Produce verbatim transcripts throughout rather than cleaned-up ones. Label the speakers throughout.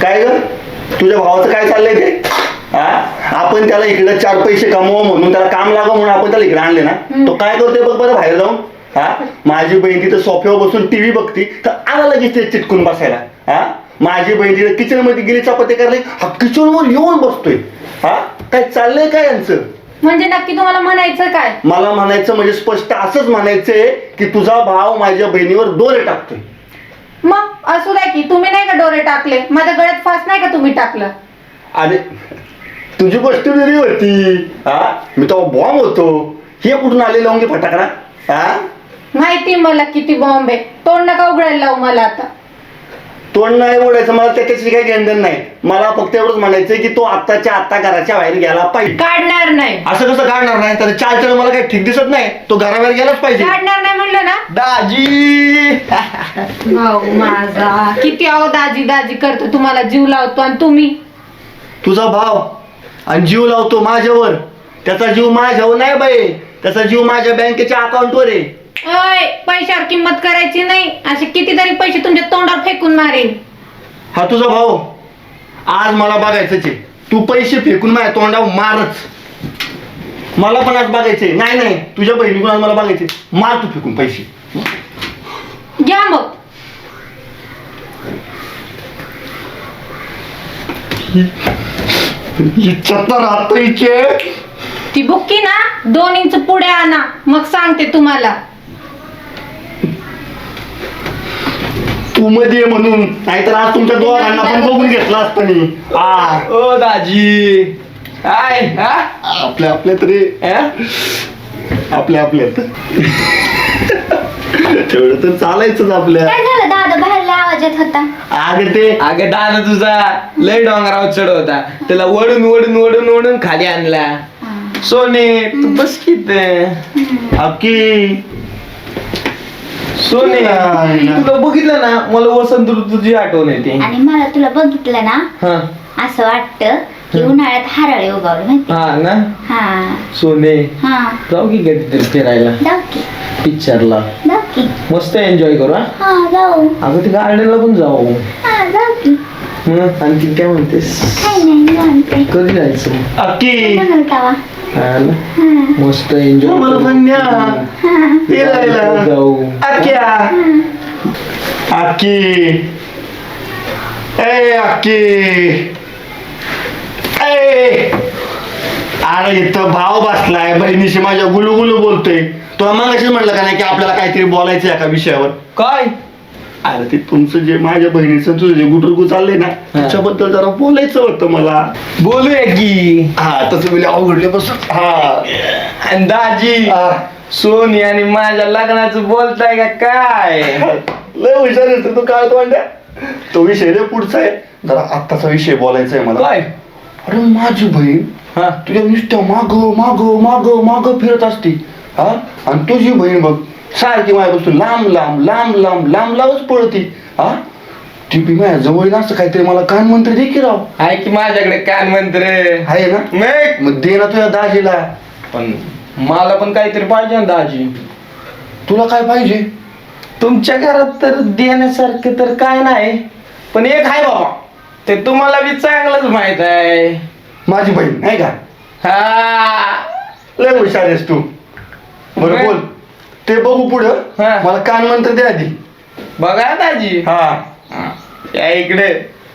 Speaker 1: काय ग तुझ्या भावाचं काय चाललंय ते? हा आपण त्याला इकडे चार पैसे कमवा म्हणून त्याला काम लागा म्हणून आपण त्याला इकडे आणले ना. तो काय करतोय बघ बरं बाहेर जाऊन. हा माझी बहीण तिथं सोफ्यावर बसून टीव्ही बघती तर आला लगेच ते चिटकून बसायला. हा माझी बहीण तिथं किचन मध्ये गेली चपाती करायला हा किचन वर येऊन बसतोय. हा काय चाललंय काय यांचं?
Speaker 2: म्हणजे नक्की तुम्हाला म्हणायचं काय?
Speaker 1: मला म्हणायचं म्हणजे स्पष्ट असंच म्हणायचंय की तुझा भाव माझ्या बहिणीवर डोळे टाकतोय.
Speaker 2: मग असू द्या की तुम्ही नाही का डोळे टाकले? माझ्या गळ्यात फास नाही का तुम्ही टाकलं?
Speaker 1: अरे तुझी गोष्ट वेगळी होती. हा मी तो बॉम्ब होतो. हे कुठून आले लावून घे फटाकडा. हा
Speaker 2: माहिती मला किती बॉम्ब आहे. तोंड नका उघडायला लावू मला आता.
Speaker 1: तोंड नाही ओढायचं मला त्याच्याशी काही घेणं नाही. मला फक्त एवढंच म्हणायचंय की तो आत्ताच्या आत्ता घराच्या बाहेर गेला पाहिजे.
Speaker 2: काढणार नाही.
Speaker 1: असं कसं काढणार नाही? तर चाल चल मला काही ठीक दिसत नाही. तो घराबाहेर गेलाच पाहिजे.
Speaker 2: काढणार नाही म्हणलं ना.
Speaker 1: दाजी
Speaker 2: भाऊ माझा किती अहो दाजी दाजी करतो. तुम्हाला जीव लावतो आणि तुम्ही
Speaker 1: तुझा भाव आणि जीव लावतो माझ्यावर. त्याचा जीव माझ्यावर नाही बाई. त्याचा जीव माझ्या बँकेच्या अकाउंटवर आहे.
Speaker 2: ओय पैशावर किंमत करायची नाही. असे कितीतरी पैसे तुमच्या तोंडावर फेकून मारेन.
Speaker 1: हा तुझा भाऊ आज मला बघायचंच आहे. तू पैसे फेकून माझ्या तोंडावर मारच. मला पण आज बघायचंय. नाही नाही तुझ्या बहिणीकडून आज मला बघायचे. मार तू फेकून पैसे.
Speaker 2: घ्या मग. ती बुक्की ना दोन इंच पुढे आणा मग सांगते तुम्हाला.
Speaker 1: तू मध्ये म्हणून नाहीतर आज तुमच्या दोघांना पण बघून घेतला असतं. आ
Speaker 3: ओ दाजी काय हा
Speaker 1: आपल्या आपल्या तरी आपल्या आपल्यात तेवढं तर चालायचंच आपल्या.
Speaker 4: काय झालं दादा बाहेरला आवाज येत होता?
Speaker 1: अगं ते
Speaker 3: अगं दादा तुझा लय डोंगरावर चढ होता. त्याला वडून वडून वडून वडून खाली आणला. सोने तू बस कित
Speaker 1: अक्की
Speaker 3: सोने तुला बघितलं ना मला वसंत ऋतूची आठवण येते.
Speaker 4: आणि मला तुला बघितलं ना
Speaker 3: हा
Speaker 4: असं वाटतं की उन्हाळ्यात हरळे उगवले माहिती?
Speaker 3: हा ना
Speaker 4: हा
Speaker 3: सोने
Speaker 4: हा
Speaker 3: जाऊ की कधीतरी फिरायला
Speaker 4: जाऊ की
Speaker 3: पिक्चरला.
Speaker 4: जाऊ की
Speaker 3: मस्त एन्जॉय करू. हा
Speaker 4: हा जाऊ
Speaker 3: अगं ते गार्डनला पण जाऊ.
Speaker 4: हा जाऊ की.
Speaker 3: मग आणखी काय म्हणतेस?
Speaker 4: काय नाही निवांत.
Speaker 3: कधी जायचं?
Speaker 1: अक्की
Speaker 4: म्हणाल तवा.
Speaker 3: हा ना
Speaker 4: हा
Speaker 3: मस्त एन्जॉय
Speaker 1: मला पण न्या. फिरायला
Speaker 3: जाऊ.
Speaker 1: अक्क्या अक्की ए अक्की ए अरे इथं भाव बसलाय बहिणीशी माझ्या गुलू गुलू बोलतोय. तुला मगाशीच म्हटलं का नाही की आपल्याला काहीतरी बोलायचं एका विषयावर.
Speaker 3: काय?
Speaker 1: अरे ते तुमचं जे माझ्या बहिणीचं तुझं जे गुटरगु चाललंय ना त्याच्याबद्दल जरा बोलायचं होतं मला.
Speaker 3: बोलूया की.
Speaker 1: हा तसं म्हणजे अवघडले बसून. हा
Speaker 3: आणि दाजी
Speaker 1: हा.
Speaker 3: सोनी आणि माझ्या लग्नाचं बोलताय का काय?
Speaker 1: लय हुशार आहे तू. काय तो म्हणता तो विषय लय पुढचा आहे. जरा आत्ताचा विषय बोलायचा आहे मला.
Speaker 3: काय?
Speaker 1: अरे माझी बहीण
Speaker 3: हा
Speaker 1: तुझ्या नुसत्या माग माग माग माग फिरत असते. हा आणि तुझी बहीण बघ सारखी माझ्यापासून लांब लांब लांब लांब लांब लांबच पळती. हा ती बी माझ्या जवळ असं काहीतरी मला कान मंत्र दे की राव.
Speaker 3: आहे की माझ्याकडे कान मंत्र
Speaker 1: आहे ना.
Speaker 3: मग
Speaker 1: मग दे ना तुझ्या दाजीला.
Speaker 3: पण मला पण काहीतरी पाहिजे ना दाजी.
Speaker 1: तुला काय पाहिजे?
Speaker 3: तुमच्या घरात तर देण्यासारखं तर काय नाही पण एक आहे बाबा ते तुम्हाला बी चांगलंच माहित आहे.
Speaker 1: माझी बहीण आहे का?
Speaker 3: हा
Speaker 1: लय हुशार आहेस तू. बरं
Speaker 3: मग?
Speaker 1: बोल ते बघू पुढं.
Speaker 3: हा.
Speaker 1: मला कान मंत्र दे आधी.
Speaker 3: बघा दाजी
Speaker 1: हा
Speaker 3: हा, या इकडे.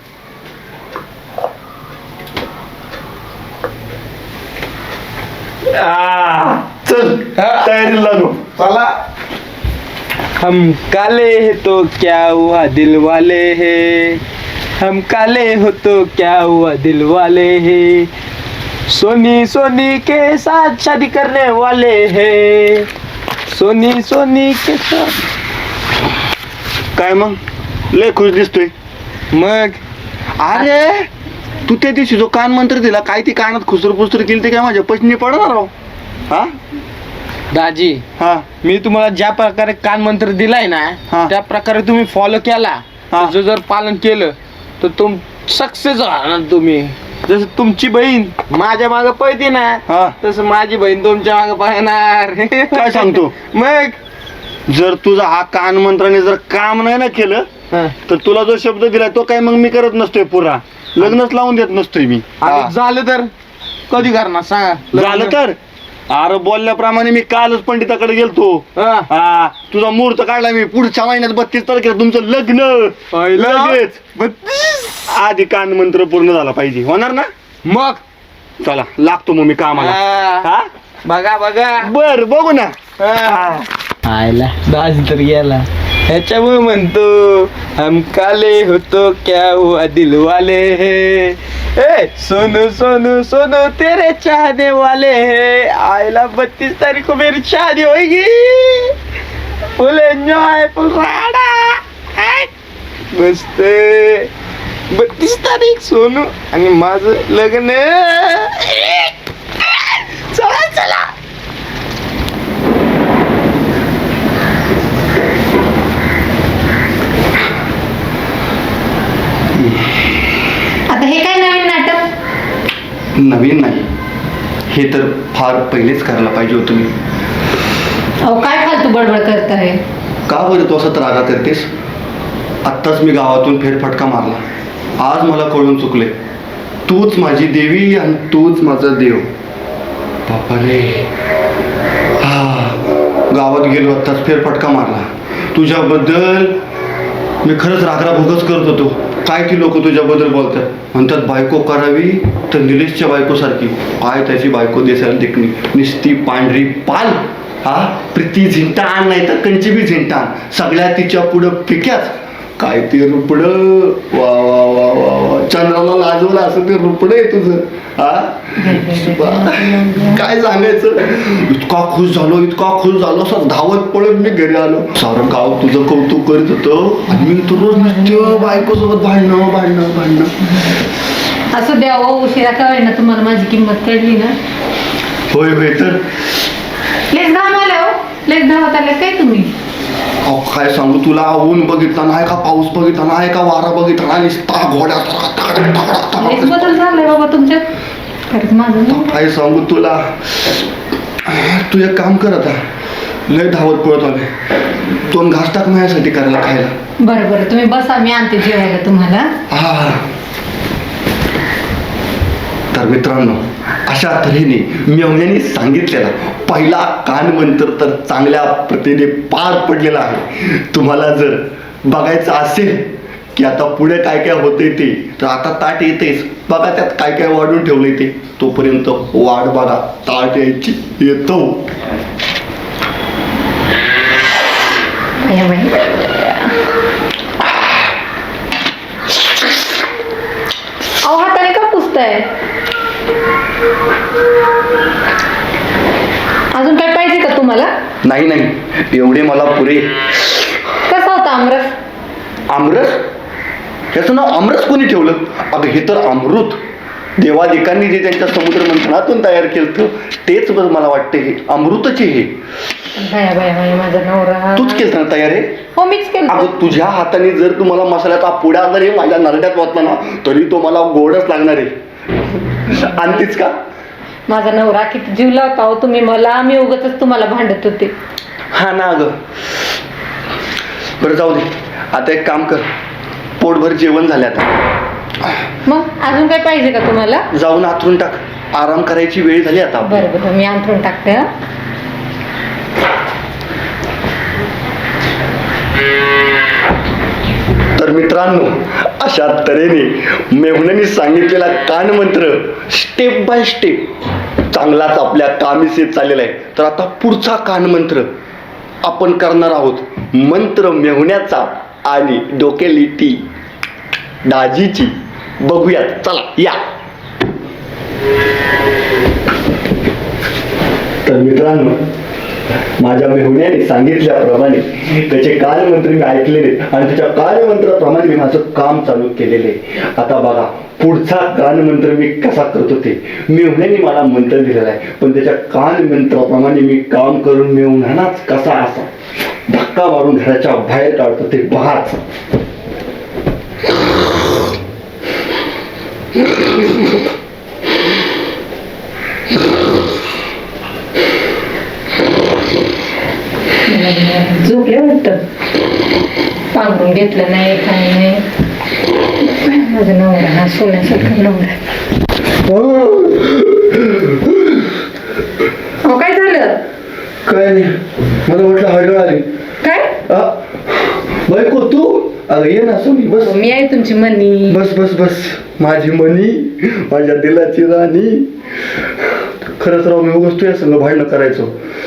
Speaker 1: आ, चल
Speaker 3: हा.
Speaker 1: तयारी लागू.
Speaker 3: चला. हम काले है तो क्या हुआ दिल वाले है. हम काले हो तो क्या हुआ दिल वाले है. सोनी सोनी के साथ शादी करने वाले है. सोनी सोनी के साथ.
Speaker 1: काय मग लय खुश दिसतोय.
Speaker 3: मग
Speaker 1: अरे तू त्या दिवशी जो कान मंत्र दिला काय ती कानात खुसर पुसर केली ते काय माझ्या पचनी पडणार राव. हा
Speaker 3: दाजी
Speaker 1: हा
Speaker 3: मी तुम्हाला ज्या प्रकारे कान मंत्र दिलाय ना
Speaker 1: हा.
Speaker 3: त्या प्रकारे तुम्ही फॉलो केला
Speaker 1: हा.
Speaker 3: त्याचं जर पालन केलं तर तुम सक्सेस होणार तुम्ही. जसं तुमची बहीण माझ्या मागे पळते ना
Speaker 1: हा.
Speaker 3: तसं माझी बहीण तुमच्या मागे पळणार.
Speaker 1: काय सांगतो?
Speaker 3: मग
Speaker 1: जर तुझा हा कान मंत्राने जर काम नाही ना केलं
Speaker 3: हा.
Speaker 1: तर तुला जो शब्द दिलाय तो काय मग मी करत नसतोय पुरा, लग्नच लावून देत नसतोय मी.
Speaker 3: आणि
Speaker 1: हा.
Speaker 3: झालं तर कधी करणार सांगा
Speaker 1: झालं तर अरे बोलल्याप्रमाणे मी कालच पंडिताकडे गेलतो.
Speaker 3: हा.
Speaker 1: हा तुझा मुहूर्त काढला मी पुढच्या महिन्यात बत्तीस तारखेला तुमचं लग्न.
Speaker 3: पहिलं
Speaker 1: लगेच
Speaker 3: बत्तीस.
Speaker 1: आधी कान मंत्र पूर्ण झाला पाहिजे, होणार ना?
Speaker 3: मग
Speaker 1: चला लागतो मग मी कामाला.
Speaker 3: हा.
Speaker 1: हा
Speaker 3: बघा बघा
Speaker 1: बर बघू ना.
Speaker 3: हा. आयला दाज तर गेला ह्याच्यामुळे म्हणतो हम काले होतो क्या हुआ दिल वाले है ए सोनू सोनू सोनू तेरे चाहने वाले है आयला बत्तीस तारीख को मेरी शादी होगी फुल एंजॉय फुल राडा मस्त बत्तीस तारीख सोनू आणि माझं लग्न चला चला
Speaker 2: आता हे काय नवीन नाटक?
Speaker 1: नवीन नाही, हे तर फार पहिलेच करायला पाहिजे होतं मी.
Speaker 2: अहो काय फालतू बडबड करताय?
Speaker 1: का बरं तू असं त्रागा करतेस? आत्ताच मी गावातून फेरफटका मारला, आज मला कळून चुकले तूच माझी देवी आणि तूच माझा देव. बापा रे, हा गावात गेलो आत्ताच फेरफटका मारला तुझ्याबद्दल. मी खरंच रागरा भोगच करत होतो. काय ती लोक तुझ्याबद्दल बोलतात, म्हणतात बायको करावी तर निलेशच्या बायकोसारखी. काय त्याची बायको दिसायला देखणी, निस्ती पांढरी पाल. हा प्रीती झिंटाण नाही तर कंचीबी झिंटाण, सगळ्या तिच्या पुढं फिक्याच. काय ते रुपड, वा वा वा वा वा, चंद्राला लाजवलं असं ते रुपड आहे तुझं. हा काय सांगायचं, इतका खुश झालो इतका खुश झालो असं धावत पळत मी घरी आलो. सारं गाव तुझं कौतुक करीत होतं आणि मी तर रोज नुसतं बायकोसोबत भांडणं भांडणं भांडणं.
Speaker 2: असं द्यावं उशिरा का ना तुम्हाला माझी किंमत कळली ना.
Speaker 1: होय होय तर
Speaker 2: लेस घाम आले हो, लेस धावत आले काय तुम्ही?
Speaker 1: अहो काय सांगू तुला, ऊन बघितला नाही का, पाऊस बघितला नाही का, वारा बघितला नाही, नुसता घोड्या
Speaker 2: लेस बदल झालाय बाबा तुमच्यात. खरंच माझं नाही.
Speaker 1: काय सांगू तुला. तू एक काम कर आता, लय धावत पळत आले, दोन घास टाक माझ्यासाठी करायला खायला.
Speaker 2: बरं बरं तुम्ही बसा, मी आणते जेवायला तुम्हाला.
Speaker 1: हा तर मित्रांनो, अशा तऱ्हेने मेवण्याने सांगितलेला पहिला कान मंत्र तर चांगल्या प्रतीने पार पडलेला आहे. तुम्हाला जर बघायचं असेल की आता पुढे काय काय होते ते, तर आता ताट येतेच बघा, त्यात काय काय वाढून ठेवले ते, तोपर्यंत वाट बघा, ताट यायची येतो.
Speaker 2: बाया, बाया. अहो हाताने का पुसताय? अजून काय पाहिजे का तुम्हाला?
Speaker 1: नाही नाही एवढे मला पुरे.
Speaker 2: कसा होता आमरस?
Speaker 1: आमरस? याचं नाव आमरस कोणी ठेवलं? अगं हे तर अमृत. देवादिकांनी जे त्यांच्या समुद्र मंथनातून तयार केलं तेच बघ, मला वाटते हे अमृतच आहे. हे
Speaker 2: बाया बाया बाया, माझा नवरा.
Speaker 1: तूच केलं ना तयार आहे?
Speaker 2: हो मीच केलं.
Speaker 1: अगं तुझ्या हाताने जर तुम्हाला मसाल्याचा पुड्या जरी माझ्या नरड्यात वाचला ना, तरी तो मला गोडच लागणार आहे. आणतीच का?
Speaker 2: माझा नवरा किती जीव लावता हो तुम्ही मला, मी उगाचच तुम्हाला भांडत होते.
Speaker 1: हा ना अगं. बरं जाऊ दे, आता एक काम कर, पोटभर जेवण झाले आता.
Speaker 2: मग अजून काय पाहिजे का तुम्हाला?
Speaker 1: जाऊन आथरून टाक, आराम करायची वेळ झाली आता.
Speaker 2: बरं बरं मी अंथरून टाकते. हं?
Speaker 1: तर मित्रांनो, अशा तऱ्हेने मेहुण्याने सांगितलेला कान मंत्र स्टेप बाय स्टेप चांगलाच आपल्या कामीसे चाललेला आहे. तर आता पुढचा कान मंत्र आपण करणार आहोत, मंत्र मेहुण्याचा आणि डोकेलिटी दाजीची. बघूयात, चला या. तर मित्रांनो, माझ्या मेहुण्याने सांगितल्याप्रमाणे त्याचे कानमंत्र मी ऐकलेले आणि त्याच्या कानमंत्राप्रमाणे मी माझं काम चालू केलेले. आता बघा पुढचा कानमंत्र मी कसा करतो ते. मेहुण्याने मला मंत्र दिलेला आहे, पण त्याच्या कानमंत्राप्रमाणे मी काम करून मेहुण्यानाच कसा असा धक्का मारून घराच्या बाहेर काढतो ते पहाच.
Speaker 2: झोपले वाटतं. सांगून घेतलं नाही काय नाही. माझं नवरा हा सोन्यासारखा नवरा. अहो काय झालं?
Speaker 1: काय नाही, मला म्हटलं हळद आली.
Speaker 2: काय?
Speaker 1: बायको तू? अगं ये ना सोनी, बस.
Speaker 2: मी आहे तुमची मनी.
Speaker 1: बस बस बस, माझी मनी, माझ्या दिलाची राणी. खरंच राव, मी उगाच तुझ्या संग भांडणं करायचो.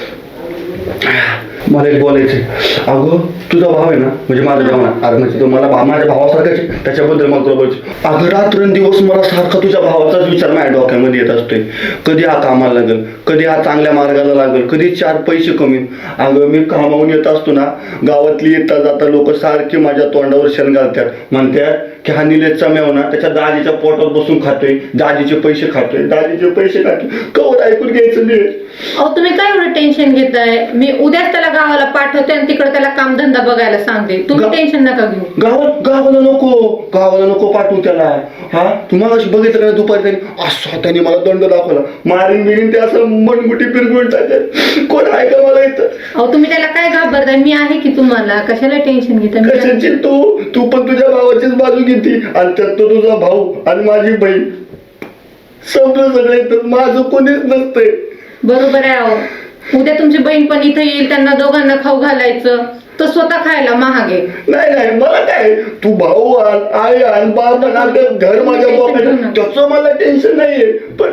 Speaker 1: मला एक बोलायचं. अगं तुझा भाव आहे ना, म्हणजे माझा भाव ना, अरे म्हणजे तो मला भा- माझ्या भावासारखाच आहे, त्याच्याबद्दल मला तुला बोलायचं. अगं रात्रंदिवस मला सारखा तुझ्या भावाचाच विचार माझ्या डोक्यामध्ये येत असतोय. कधी हा कामाला लागेल, कधी हा चांगल्या मार्गाला लागेल, कधी चार पैसे कमी. अगं मी कामावून येत असतो ना, गावातली येता जाता लोक सारखे माझ्या तोंडावर शेण घालतात. म्हणतात की हा निलेशचा मेव ना त्याच्या दाजीच्या पोटात बसून खातोय, दाजीचे पैसे खातोय, दाजीचे पैसे खातोय. कवर ऐकून घ्यायचं नाही.
Speaker 2: अहो तुम्ही काय एवढं टेन्शन घेताय? मी उद्याच त्याला गावाला पाठवते आणि तिकडे त्याला कामधंदा बघायला सांगते. तुम्ही
Speaker 1: गा-
Speaker 2: टेन्शन नका घेऊ.
Speaker 1: गावात गावाला नको, गावाला नको पाठवू त्याला. हा तुम्हाला अशी बघितलं का दुपारी त्यांनी असं त्याने मला दंड दाखवला, मारीन बिरीन ते असं मनमुठी पिरगुण टाकत. कोण आहे का मला इथं?
Speaker 2: अहो तुम्ही त्याला काय घाबरताय? मी आहे की तुम्हाला. कशाला टेन्शन घेताय? मी-
Speaker 1: कशाची तू तू पण तुझ्या भावाचीच बाजू घेती आणि त्यात तो तुझा भाऊ आणि माझी बहीण. समजलं सगळं इथं, माझं कोणीच नसतंय.
Speaker 2: बरोबर आहे. अहो उद्या तुमची बहीण पण इथे येईल, त्यांना दोघांना खाऊ घालायचं, तर स्वतः खायला महाग आहे.
Speaker 1: नाही नाही, मला काय, तू भाऊ आण, आई आण, बाप आण, घर माझ्या बापाचं, त्याचं मला टेन्शन नाहीये. पण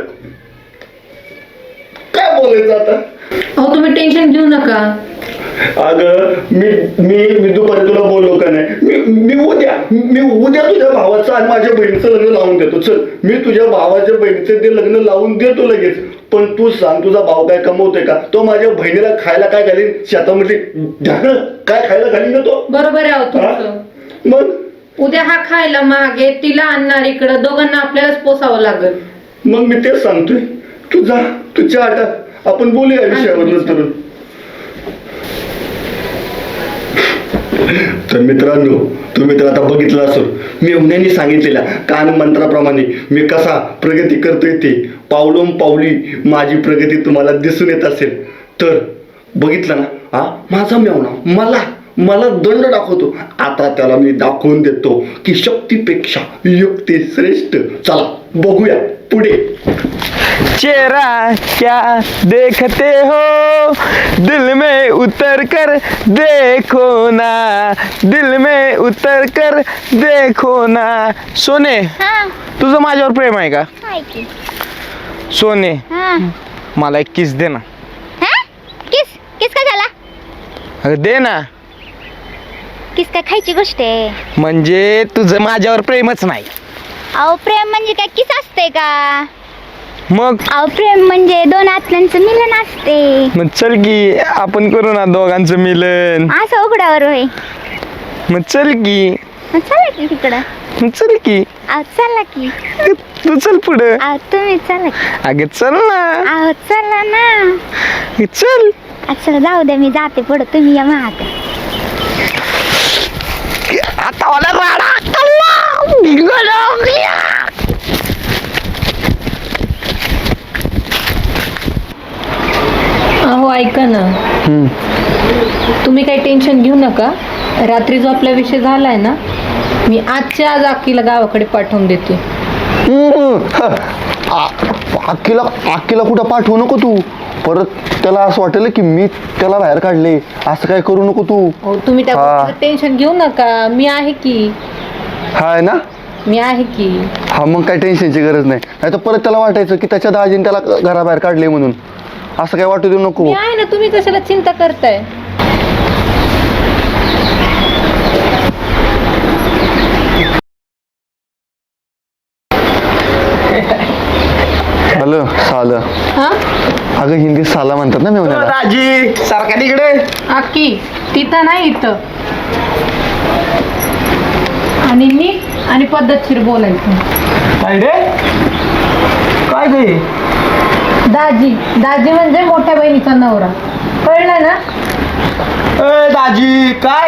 Speaker 1: काय बोलायचं आता?
Speaker 2: अहो तुम्ही टेन्शन घेऊ नका.
Speaker 1: अगं मी मी मी दुपारी तुला बोललो का नाही, मी मी उद्या मी उद्या तुझ्या भावाचं आणि माझ्या बहिणीचं लग्न लावून देतो. चल, मी तुझ्या भावाच्या बहिणीचं ते लग्न लावून देतो लगेच. पण तू सांग, तुझा भाऊ काय कमवतोय का? तो माझ्या बहिणीला खायला काय घालीन? शेतामध्ये ढाकण काय खायला घालीन ना तो?
Speaker 2: बरोबर आहे. अहो
Speaker 1: हा?
Speaker 2: तुमचं
Speaker 1: मग
Speaker 2: उद्या हा खायला महाग आहे, तिला आणणार इकडं, दोघांना आपल्यालाच पोसावं लागेल.
Speaker 1: मग मी तेच सांगतोय, तू जा, तू चहा टाक, आपण बोलूया या विषयावर नंतर. तर मित्रांनो, तुम्ही तर आता बघितलं असेल मी उन्हाने सांगितलेल्या कान मंत्राप्रमाणे मी कसा प्रगती करतोय ते. पावलोम पावली माझी प्रगती तुम्हाला दिसून येत असेल तर बघितलं ना. हा माझा मेवना मला मला दंड दाखवतो. आता त्याला मी दाखवून देतो की शक्तीपेक्षा युक्ती श्रेष्ठ. चला बघूया पुढे.
Speaker 3: चेहरा क्या देखते हो, दिल में उतर कर देखो ना, दिल में उतर कर देखो ना. सोने,
Speaker 4: हा
Speaker 3: तुझं माझ्यावर प्रेम आहे का?
Speaker 4: काय की?
Speaker 3: सोने,
Speaker 4: हा
Speaker 3: मला एक किस दे ना.
Speaker 4: हा किस किस काय झाला?
Speaker 3: अगं दे ना.
Speaker 4: किस काय खायची गोष्ट आहे?
Speaker 3: म्हणजे तुझं माझ्यावर प्रेमच नाही.
Speaker 4: अहो प्रेम म्हणजे काय किस असते का?
Speaker 3: मग
Speaker 4: अहो प्रेम म्हणजे दोन आत्म्यांचं मिलन असते.
Speaker 3: मग चल की आपण करू ना दोघांचं मिलन.
Speaker 4: असं उघड्यावर होय.
Speaker 3: मग चल की.
Speaker 4: मग चला की तिकडं.
Speaker 3: मग चल की.
Speaker 4: अहो चला की.
Speaker 3: तू चल पुढं.
Speaker 4: अहो तुम्ही चला की.
Speaker 3: अगे चल ना.
Speaker 4: अहो चला ना.
Speaker 3: चल.
Speaker 4: चला जाऊ द्या, मी जाते पुढं, तुम्ही या महाग.
Speaker 3: आता मला राडा
Speaker 2: अहो ऐका ना, तुम्ही काही टेन्शन घेऊ नका. रात्री जो आपला विषय झालाय ना, मी आजच्या आज अक्कीला गावाकडे पाठवून देते.
Speaker 1: अक्कीला अक्कीला कुठं पाठवू नको तू. परत त्याला असं वाटेल की मी त्याला बाहेर काढले. असं काय करू नको तू.
Speaker 2: अहो तुम्ही त्या
Speaker 1: हा.
Speaker 2: गोष्टीचं टेन्शन घेऊ नका. मी आहे की.
Speaker 1: हाय ना.
Speaker 2: मी आहे की.
Speaker 1: हा मग काय टेन्शनची गरज नाही. नाही तर परत त्याला वाटायचं की त्याच्या दाजीने त्याला घराबाहेर काढले म्हणून. असं काय वाटू देऊ नको.
Speaker 2: मी आहे ना. तुम्ही कशाला चिंता करताय?
Speaker 1: हॅलो साला.
Speaker 2: हा
Speaker 1: अगं हिंदीत साला म्हणतात ना मेवण्याला.
Speaker 3: राजी सारखा तिकडे.
Speaker 2: अक्की तिथं नाही, इथं. आणि नीट आणि पद्धतशीर बोलायचं.
Speaker 3: काय रे? काय ते?
Speaker 2: दाजी दाजी म्हणजे मोठ्या बहिणीचा नवरा. कळलं ना?
Speaker 3: ए दाजी काय?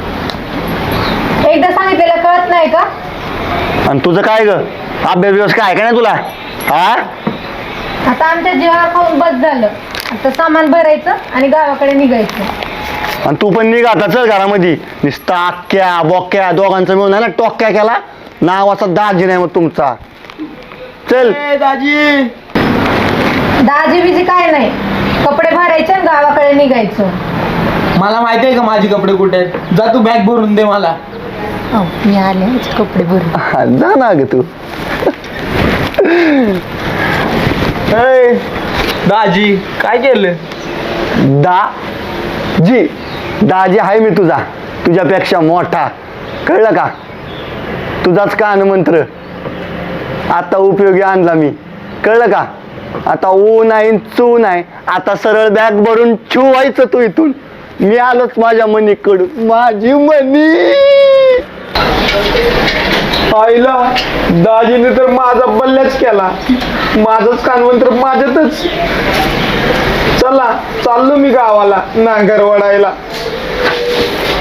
Speaker 2: एकदा सांगितलेलं कळत नाही का?
Speaker 1: आणि तुझं काय ग अभ्यास बिभ्यास काय का नाही तुला? हा
Speaker 2: आता आमच्या जीवाला खाऊन बस झालं. आता सामान भरायचं आणि गावाकडे निघायचं.
Speaker 1: आणि तू पण निघ आता चल घरामध्ये. नुसता आक्या बोक्या दोघांचा मिळून आहे ना टोक्या केला, नावाचा दाजी नाही मग तुमचा. चल
Speaker 3: ए, दाजी.
Speaker 2: दाजी बिजी काय नाही, कपडे भरायचे आणि गावाकडे निघायचं.
Speaker 3: मला माहिती आहे का माझे कपडे कुठे आहेत? जा तू बॅग भरून दे मला.
Speaker 2: अहो, मी आले माझे कपडे भरून.
Speaker 1: हा, जा ना ग तू.
Speaker 3: ए, दाजी काय केलं?
Speaker 1: दा जी दाजी आहे मी तुझा, तुझ्यापेक्षा मोठा, कळलं का? तुझाच कान मंत्र आता उपयोगी आणला मी, कळलं का? आता ऊ नाही चू नाही, आता सरळ बॅग भरून ठेवायचं तू इथून. मी आलोच माझ्या मनीकडून, माझी मनी.
Speaker 3: आईला दाजीने तर माझा बल्ल्याच केला, माझंच कानमंत्र माझ्यातच. चला चाललो मी गावाला नांगर वडायला.